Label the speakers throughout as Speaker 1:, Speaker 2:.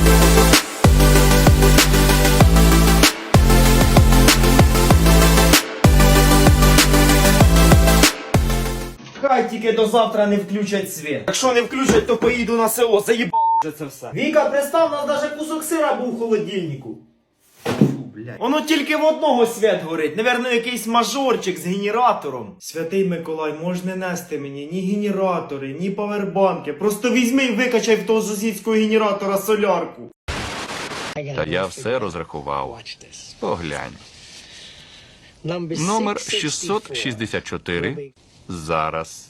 Speaker 1: Хай тільки до завтра не включать світ. Якщо не включать, то поїду на село, заїбало вже це все. Віка, представ, у нас даже кусок сира був в холодильнику. Фу, блядь. Воно тільки в одного світ горить, наверно, якийсь мажорчик з генератором. Святий Миколай, може не нести мені ні генератори, ні павербанки. Просто візьми і викачай в того сусідського генератора солярку.
Speaker 2: Та я все розрахував. Поглянь. Номер 664. Зараз.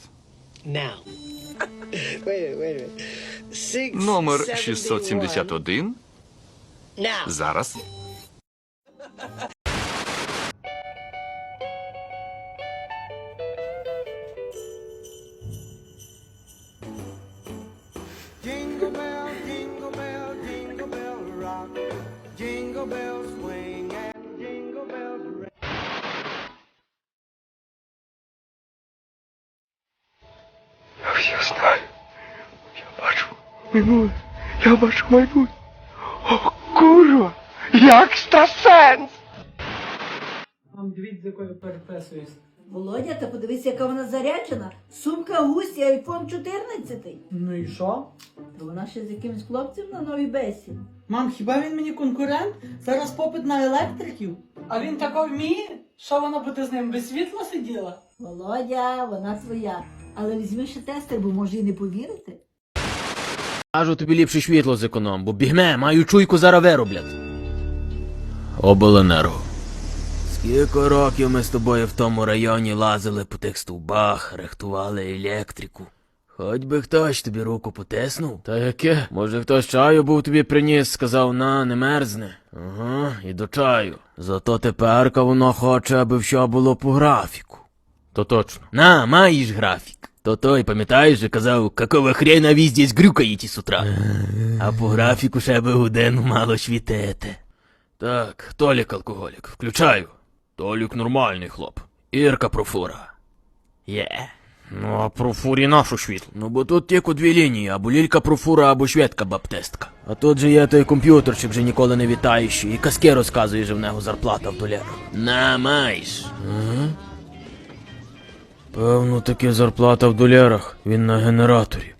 Speaker 2: Номер 671. Зараз.
Speaker 3: Jingle bell, jingle bell, jingle bell rock. Jingle bells swing and jingle bells ring.
Speaker 4: Я все знаю. Я бачу минуле. Я бачу майбутнє. О, курва! Я екстрасенс!
Speaker 5: Вам дивіться, з якою переписуюсь.
Speaker 6: Володя, та подивись, яка вона заряджена. Сумка гусь і айфон 14.
Speaker 5: Ну і що?
Speaker 6: Та вона ще з якимось хлопцем на новій бесі.
Speaker 5: Мам, хіба він мені конкурент? Зараз попит на електриків. А він тако вміє? Що вона буде з ним без світла сиділа?
Speaker 6: Володя, вона твоя. Але візьми ще тестер, бо може і не повірити.
Speaker 7: Кажу, тобі ліпше світло зеконом, бо бігме, маю чуйку зараз вироблять. Обленерго. Скільки років ми з тобою в тому районі лазили по тих стовбах, рихтували електрику. Хоч би хтось тобі руку потиснув. Та яке? Може хтось чаю був тобі приніс, сказав, на, не мерзне. Ага, і до чаю. Зато теперка воно хоче, аби все було по графіку. То точно. На, маєш графік. То той, пам'ятаєш, же казав, какого хрена ви здесь грюкаєте з утра. А по графіку ще би годину мало світити. Так, Толік алкоголік, включаю. Толік нормальний хлоп. Ірка профура. Є. Ну, а профурі нашу світло. Ну, бо тут тільки дві лінії, або лілька профура, або шведка баптистка. А тут же є той комп'ютерчик, вже ніколи не вітаючий, і казки розказує, що в нього зарплата в долярах. На, маєш. Ага. Певно, таки зарплата в долярах, він на генераторі.